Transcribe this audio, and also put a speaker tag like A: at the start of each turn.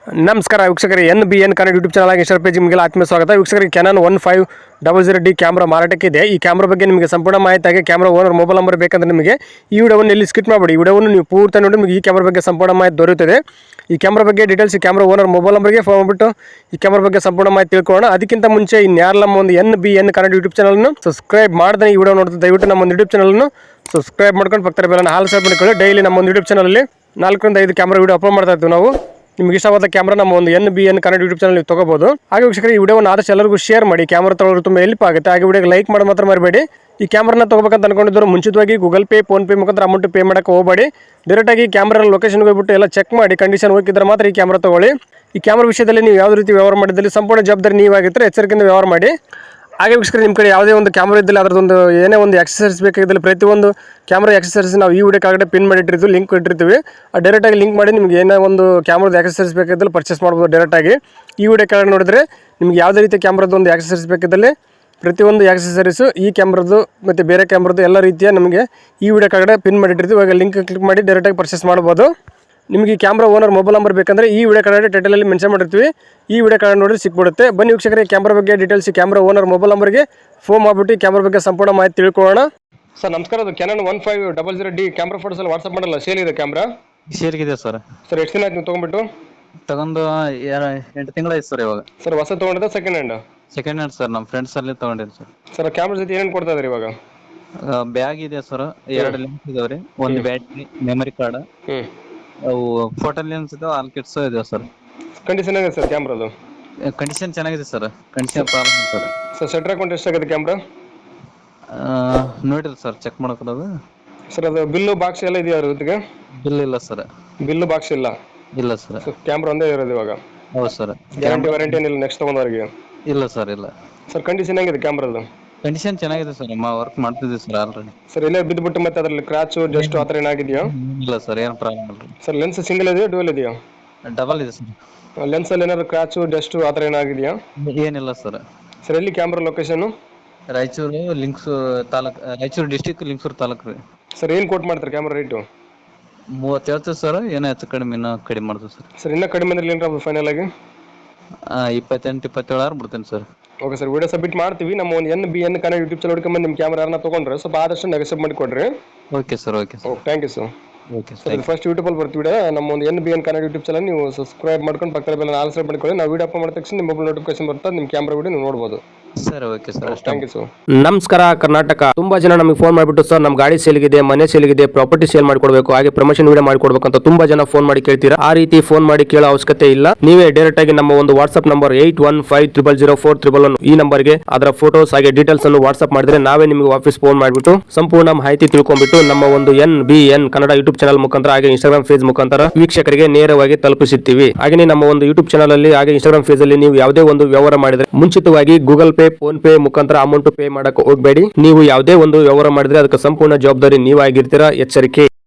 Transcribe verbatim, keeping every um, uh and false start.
A: ನಮಸ್ಕಾರ ವೀಕ್ಷಕರೇ, N B N Kannada YouTube channel Insta page ನಿಮಗೆ ಆತ್ಮೀಯ ಸ್ವಾಗತ. ವೀಕ್ಷಕರಿಗೆ Canon one five double zero D camera ಮಾರಾಟಕ್ಕೆ ಇದೆ. ಈ ಕ್ಯಾಮ್ರಾ ಬಗ್ಗೆ ನಿಮಗೆ ಸಂಪೂರ್ಣ ಮಾಹಿತಿಯಾಗಿ ಕ್ಯಾಮ್ರಾ ಓನರ್ ಮೊಬೈಲ್ ನಂಬರ್ ಬೇಕಂದ್ರೆ ನಿಮಗೆ ಈ ವಿಡಿಯೋವನ್ನು ಎಲ್ಲಿ ಸ್ಕಿಪ್ ಮಾಡಬೇಡಿ. ಈ ವಿಡಿಯೋವನ್ನು ನೀವು ಪೂರ್ತಿ ನೋಡಿ ನಿಮಗೆ ಈ ಕ್ಯಾಮ್ರಾ ಬಗ್ಗೆ ಸಂಪೂರ್ಣ ಮಾಹಿತಿ ದೊರೆಯುತ್ತದೆ. ಈ ಕ್ಯಾಮ್ರಾ ಬಗ್ಗೆ ಡೀಟೇಲ್ಸ್ ಈ ಕ್ಯಾಮ್ರಾ ಓನರ್ ಮೊಬೈಲ್ ನಂಬರ್ಗೆ ಫೋನ್ ಮಾಡಿಬಿಟ್ಟು ಈ ಕ್ಯಾಮ್ರಾ ಬಗ್ಗೆ ಸಂಪೂರ್ಣ ಮಾಹಿತಿ ತಿಳ್ಕೊಳ್ಳೋಣ. ಅದಕ್ಕಿಂತ ಮುಂಚೆ ಇನ್ಯಾರು ನಮ್ಮ ಒಂದು N B N Kannada YouTube ಚಾನಲ್ನ ಸಬ್ಸ್ಕ್ರೈಬ್ ಮಾಡಿದ್ರೆ ಈ ವಿಡಿಯೋ ನೋಡ್ತಾ ದಯವಿಟ್ಟು ನಮ್ಮ ಒಂದು ಯೂಟ್ಯೂಬ್ ಚಾನಲ್ನ ಸಬ್ಸ್ಕ್ರೈಬ್ ಮಾಡ್ಕೊಂಡು ಪಕ್ಕದ ಬೆಲ್ಲನ್ನು ಹಾಲ್ ಸಬ್ ಮಾಡಿಕೊಳ್ಳಿ. ಡೈಲಿ ನಮ್ಮ ಒಂದು ಯೂಟ್ಯೂಬ್ ಚಾನಲಲ್ಲಿ ನಾಲ್ಕರಿಂದ ಐದು ಕ್ಯಾಮ್ರಾ ವಿಡಿಯೋ ಅಪ್ಲೋಡ್ ಮಾಡ್ತಾ ಇರ್ತೀವಿ ನಾವು. ನಿಮಗೆ ಇಷ್ಟವಾದ ಕ್ಯಾಮ್ರಾ ನಮ್ಮ ಒಂದು N B N Kannada YouTube channel ನೀವು ತಗೋಬಹುದು. ಹಾಗೆ ವೀಕ್ಷಕರಿಗೆ ಈ ವಿಡಿಯೋವನ್ನು ಆದಷ್ಟು ಎಲ್ಲರಿಗೂ ಶೇರ್ ಮಾಡಿ. ಕ್ಯಾಮ್ರಾ ತಗೊಳ್ಳೋದು ತುಂಬ ಹೆಲ್ಪ್ ಆಗುತ್ತೆ. ಹಾಗೆ ವಿಡಿಯೋಗೆ ಲೈಕ್ ಮಾಡೋದು ಮಾತ್ರ ಮರಿಬೇಡಿ. ಈ ಕ್ಯಾಮ್ರಾನ ತಗೋಬೇಕಂತ ಅನ್ಕೊಂಡಿದ್ರು ಮುಂಚಿತವಾಗಿ ಗೂಗಲ್ ಪೇ ಫೋನ್ ಪೇ ಮುಖಾಂತರ ಅಮೌಂಟ್ ಪೇ ಮಾಡೋಕೆ ಹೋಗಬೇಡಿ. ಡೈರೆಕ್ಟಾಗಿ ಕ್ಯಾಮ್ರಾ ಲೊಕೇಶನ್ಗೆ ಹೋಗ್ಬಿಟ್ಟು ಎಲ್ಲ ಚೆಕ್ ಮಾಡಿ ಕಂಡೀಷನ್ ಹೋಗಿದ್ರೆ ಮಾತ್ರ ಈ ಕ್ಯಾಮ್ರಾ ತಗೊಳ್ಳಿ. ಈ ಕ್ಯಾಮ್ರಾ ವಿಷಯದಲ್ಲಿ ನೀವು ಯಾವುದೇ ರೀತಿ ವ್ಯವಹಾರ ಮಾಡಿದಲ್ಲಿ ಸಂಪೂರ್ಣ ಜವಾಬ್ದಾರಿ ನೀವಾಗಿದ್ದರೆ ಎಚ್ಚರಿಕೆಯಿಂದ ವ್ಯವಹಾರ ಮಾಡಿ. ಹಾಗೆ ವೀಕ್ಷಕರು ನಿಮ್ಮ ಕಡೆ ಯಾವುದೇ ಒಂದು ಕ್ಯಾಮ್ರಾ ಇದ್ದಲ್ಲಿ ಅದರದೊಂದು ಏನೇ ಒಂದು ಎಕ್ಸಸರೀಸ್ ಬೇಕಾಗಿದ್ದಲ್ಲಿ ಪ್ರತಿಯೊಂದು ಕ್ಯಾಮ್ರಾ ಎಕ್ಸಸರೀಸ್ ನಾವು ಈ ವಿಡಿಯೋ ಕೆಳಗಡೆ ಪಿನ್ ಮಾಡಿ ಇಟ್ಟಿರ್ತೀವಿ, ಲಿಂಕ್ ಇಟ್ಟಿರ್ತೀವಿ. ಆ ಡೈರೆಕ್ಟಾಗಿ ಲಿಂಕ್ ಮಾಡಿ ನಿಮಗೆ ಏನೇ ಒಂದು ಕ್ಯಾಮ್ರಾದ ಎಕ್ಸಸರೀಸ್ ಬೇಕಾಗಿದ್ದಲ್ಲಿ ಪರ್ಚೇಸ್ ಮಾಡ್ಬೋದು. ಡೈರೆಕ್ಟಾಗಿ ಈ ವಿಡಿಯೋ ಕೆಳಗಡೆ ನೋಡಿದ್ರೆ ನಿಮಗೆ ಯಾವುದೇ ರೀತಿ ಕ್ಯಾಮ್ರಾದ ಒಂದು ಎಕ್ಸಸರೀಸ್ ಬೇಕಿದ್ದಲ್ಲಿ ಪ್ರತಿಯೊಂದು ಎಕ್ಸಸರೀಸು ಈ ಕ್ಯಾಮ್ರಾದು ಮತ್ತು ಬೇರೆ ಕ್ಯಾಮ್ರಾದು ಎಲ್ಲ ರೀತಿಯ ನಮಗೆ ಈ ವಿಡಿಯೋ ಕೆಳಗಡೆ ಪಿನ್ ಮಾಡಿ ಇಟ್ಟಿರ್ತೀವಿ. ಇವಾಗ ಲಿಂಕ್ ಕ್ಲಿಕ್ ಮಾಡಿ ಡೈರೆಕ್ಟಾಗಿ ಪರ್ಚೇಸ್ ಮಾಡ್ಬೋದು. ನಿಮಗೆ ಈ ಕ್ಯಾಮ್ರಾ ಓನರ್ ಮೊಬೈಲ್ ನಂಬರ್ ಬೇಕಂದರೆ ಈ ವಿಡಿಯೋ ಕೆಳಗಡೆ ಟೈಟಲಲ್ಲಿ ಮೆನ್ಷನ್ ಮಾಡಿರ್ತೀವಿ. ಈ ವಿಡಿಯೋ ಕೆಳಗಡೆ ನೋಡಿದ್ರೆ ಸಿಕ್ಬಿಡುತ್ತೆ. ಬನ್ನಿ ವೀಕ್ಷಕರಿಗೆ ಕ್ಯಾಮ್ರಾ ಬಗ್ಗೆ ಡೀಟೇಲ್ಸ್ ಕ್ಯಾಮ್ರಾ ಓನರ್ ಮೊಬೈಲ್ ನಂಬರ್ಗೆ ಫೋನ್ ಮಾಡಿಬಿಟ್ಟು ಕ್ಯಾಮ್ರಾ ಬಗ್ಗೆ ಸಂಪೂರ್ಣ ಮಾಹಿತಿ ತಿಳ್ಕೊಳ್ಳೋಣ. ಸರ್ ನಮಸ್ಕಾರ, ಅದು Canon one five double zero D camera photos ಅಲ್ಲಿ ವಾಟ್ಸಪ್ ಮಾಡಲ್ಲ ಸೇಲ್ ಇದೆ ಕ್ಯಾಮ್ರಾ
B: ಸೇಲ್ಗಿದೆ ಸರ್.
A: ಸರ್ ಎಷ್ಟು ದಿನ ಆಯ್ತು ನೀವು ತೊಗೊಂಡ್ಬಿಟ್ಟು?
B: ತಗೊಂಡು ಎಂಟು ತಿಂಗಳಾಯ್ತು ಸರ್. ಇವಾಗ
A: ಸರ್ ಹೊಸ ತೊಗೊಂಡಿದ್ದ second hand?
B: Second hand sir. ನಮ್ಮ ಫ್ರೆಂಡ್ಸ್ ಅಲ್ಲಿ ತಗೊಂಡಿರಿ ಸರ್.
A: ಸರ್ ಕ್ಯಾಮ್ರಾ ಜೊತೆ ಏನೇನು ಕೊಡ್ತಾ ಇದ್ರಿ ಇವಾಗ?
B: ಬ್ಯಾಗ್ ಇದೆ ಸರ್, ಎರಡು ಲೆನ್ಸ್ ಇದಾವ್ರಿ, ಒಂದು ಬ್ಯಾಟ್ರಿ, ಮೆಮರಿ ಕಾರ್ಡ್,
A: ಹ್ಞೂ
B: ಅವು ಫೋಟೋ ಲೆನ್ಸ್ ಇದಾವೆ, ಆಲ್ ಕಿಟ್ಸ್ ಇದಾವೆ ಸರ್.
A: ಕಂಡೀಷನ್ ಆಗಿದೆ ಸರ್ ಕ್ಯಾಮ್ರಾದು?
B: ಕಂಡೀಷನ್ ಚೆನ್ನಾಗಿದೆ sir. Condition problem sir.
A: Sir ಸೆಟ್ರ್ ಅಕೌಂಟ್ ಎಷ್ಟಾಗಿದೆ ಕ್ಯಾಮ್ರಾ?
B: ನೋಡಿರಿ ಸರ್, ಚೆಕ್ ಮಾಡ್ಕೊಳ್ಳೋದು.
A: ಸರ್ ಅದು ಬಿಲ್ಲು ಬಾಕ್ಸ್ ಎಲ್ಲ ಇದೆಯಾ ಜೊತೆಗೆ?
B: ಬಿಲ್ ಇಲ್ಲ ಸರ್.
A: ಬಿಲ್ಲು ಬಾಕ್ಸ್ ಇಲ್ಲ?
B: ಇಲ್ಲ ಸರ್.
A: ಕ್ಯಾಮ್ರಾ ಒಂದೇ ಇರೋದು ಇವಾಗ?
B: ಹೌದು ಸರ್.
A: ಗ್ಯಾರಂಟಿ ವಾರಂಟಿ ಏನಿಲ್ಲ ನೆಕ್ಸ್ಟ್ ತೊಗೊಂಡವರಿಗೆ?
B: ಇಲ್ಲ ಸರ್, ಇಲ್ಲ.
A: ಸರ್ ಕಂಡೀಷನ್ ಹೆಂಗಿದೆ ಕ್ಯಾಮ್ರಾದು?
B: ಕಂಡೀಷನ್ ಚೆನ್ನಾಗಿದೆ ಸರ್. ಮಾ ವರ್ಕ್ ಮಾಡ್ತಿದ್ದೀವಿ ಸರ್ ಆಲ್ರೆಡಿ.
A: ಸರ್ ಇಲ್ಲೇ ಬಿದ್ದುಬಿಟ್ಟು ಮತ್ತೆ ಅದರಲ್ಲಿ ಕ್ರಾಚು ಜಸ್ಟ್ ಆ ಥರ ಏನಾಗಿದೆಯಾ?
B: ಇಲ್ಲ ಸರ್, ಏನು ಪ್ರಾಬ್ಲಮ್ ಇಲ್ಲ.
A: ಸರ್ ಲೆನ್ಸ್ ಸಿಂಗಲ್ ಇದೆಯಾ ಡ್ಯೂಯಲ್ ಇದೆಯಾ?
B: ಡಬಲ್ ಇದೆ ಸರ್.
A: ಲೆನ್ಸಲ್ಲಿ ಏನಾದ್ರು ಕ್ರಾಚು ಡಸ್ಟ್ ಆ ಥರ ಏನಾಗಿದೆಯಾ?
B: ಏನಿಲ್ಲ ಸರ್.
A: ಸರ್ ಎಲ್ಲಿ ಕ್ಯಾಮ್ರಾ ಲೊಕೇಶನ್?
B: ರಾಯಚೂರು ಲಿಂಕ್ಸ್ ತಾಲೂಕ್, ರಾಯಚೂರು ಡಿಸ್ಟಿಕ್ ಲಿಂಕ್ಸೂರು ತಾಲೂಕು ರೀ.
A: ಸರ್ ಏನು ಕೋಟ್ ಮಾಡ್ತಾರೆ ಕ್ಯಾಮ್ರಾ ರೇಟು?
B: ಮೂವತ್ತು ಹೇಳ್ತೀವಿ ಸರ್. ಏನೋ ಹೆಚ್ಚು ಕಡಿಮೆ ಇನ್ನೂ ಕಡಿಮೆ ಮಾಡ್ತೀವಿ ಸರ್.
A: ಸರ್ ಇನ್ನೂ ಕಡಿಮೆ ಅಂದ್ರೆ ಏನು ಫೈನಲ್ ಆಗಿ?
B: ಇಪ್ಪತ್ತೆಂಟು ಇಪ್ಪತ್ತೇಳು ಆರು ಬಿಡ್ತೇನೆ sir.
A: Okay sir, video submit ಮಾಡ್ತೀವಿ. ನಮ್ಮ ಒಂದು N B N Kannada YouTube channel ಹುಡ್ಕೊಂಬಂದು ನಿಮ್ಮ ಕ್ಯಾಮ್ರಾ ಯಾರನ್ನ ತೊಗೊಂಡ್ರೆ ಸ್ವಲ್ಪ ಆದಷ್ಟು ನೆಗೆಸಬ್ ಮಾಡಿ ಕೊಡ್ರಿ.
B: Okay sir. Okay sir.
A: Okay, thank you sir.
B: Okay
A: sir ಇದು ಫಸ್ಟ್ ಯೂಟ್ಯೂಬಲ್ಲಿ ಬರ್ತೀವಿ. ನಮ್ಮ ಒಂದು N B N Kannada YouTube channel ನೀವು ಸಬ್ಸ್ಕ್ರೈಬ್ ಮಾಡ್ಕೊಂಡು ಪಕ್ಕದ ಬೆಲ್ಲ ಆಲ್ ಸಬ್ ಮಾಡ್ಕೊಳ್ಳಿ. ನಾವು ವಿಡಿಯೋ ಅಪ್ಲೋಡ್ ಮಾಡಿದ ತಕ್ಷಣ ನಿಮ್ಮ ಮೊಬೈಲ್ ನೋಟಿಫಿಕೇಶನ್ ಬರ್ತದೆ, ನಿಮ್ಮ ಕ್ಯಾಮ್ರಾ ವಿಡಿಯೋ ನೀವು ನೋಡ್ಬೋದು.
B: Sir okay sir.
A: Thank you sir.
C: ನಮಸ್ಕಾರ ಕರ್ನಾಟಕ. ತುಂಬಾ ಜನ ನಮಗೆ ಫೋನ್ ಮಾಡಿಬಿಟ್ಟು ಸರ್ ನಮ್ಮ ಗಾಡಿ ಸೇಲ್ಗಿದೆ, ಮನೆ ಸೇಲ್ಗಿದೆ, ಪ್ರಾಪರ್ಟಿ ಸೇಲ್ ಮಾಡ್ಕೊಡ್ಬೇಕು, ಹಾಗೆ ಪ್ರಮೋಷನ್ ವಿಡಿಯೋ ಮಾಡ್ಕೊಡ್ಬೇಕು ಅಂತ ತುಂಬಾ ಜನ ಫೋನ್ ಮಾಡಿ ಕೇಳ್ತೀರಾ. ಆ ರೀತಿ ಫೋನ್ ಮಾಡಿ ಕೇಳೋ ಅವಶ್ಯಕತೆ ಇಲ್ಲ. ನೀವೇ ಡೈರೆಕ್ಟ್ ಆಗಿ ನಮ್ಮ ಒಂದು WhatsApp number eight one five triple zero four triple one ಈ ನಂಬರ್ಗೆ ಅದರ ಫೋಟೋಸ್ ಹಾಗೆ ಡೀಟೇಲ್ಸ್ ಅನ್ನು ವಾಟ್ಸ್ಆಪ್ ಮಾಡಿದ್ರೆ ನಾವೇ ನಿಮಗೆ ವಾಪಸ್ ಫೋನ್ ಮಾಡಿಬಿಟ್ಟು ಸಂಪೂರ್ಣ ಮಾಹಿತಿ ತಿಳ್ಕೊಂಡ್ಬಿಟ್ಟು ನಮ್ಮ ಒಂದು N B N Kannada YouTube channel ಮುಖಾಂತರ ಹಾಗೆ ಇನ್ಸ್ಟಾಗ್ರಾಮ್ ಪೇಜ್ ಮುಖಾಂತರ ವೀಕ್ಷಕರಿಗೆ ನೇರವಾಗಿ ತಲುಪಿಸುತ್ತೀವಿ. ಹಾಗೆ ನಮ್ಮ ಒಂದು ಯೂಟ್ಯೂಬ್ ಚಾನಲ್ ಅಲ್ಲಿ ಹಾಗೆ ಇನ್ಸ್ಟಾಗ್ರಾಮ್ ಪೇಜ್ ಅಲ್ಲಿ ನೀವು ಯಾವುದೇ ಒಂದು ವ್ಯವಹಾರ ಮಾಡಿದ್ರೆ ಮುಂಚಿತವಾಗಿ ಗೂಗಲ್ ಪೇ ಫೋನ್ ಪೇ ಮುಖಾಂತರ ಅಮೌಂಟ್ ಪೇ ಮಾಡಕ್ಕೆ ಹೋಗಬೇಡಿ. ನೀವು ಯಾವುದೇ ಒಂದು ವ್ಯವಹಾರ ಮಾಡಿದ್ರೆ ಅದಕ್ಕೆ ಸಂಪೂರ್ಣ ಜವಾಬ್ದಾರಿ ನೀವಾಗಿರ್ತೀರಾ. ಎಚ್ಚರಿಕೆ.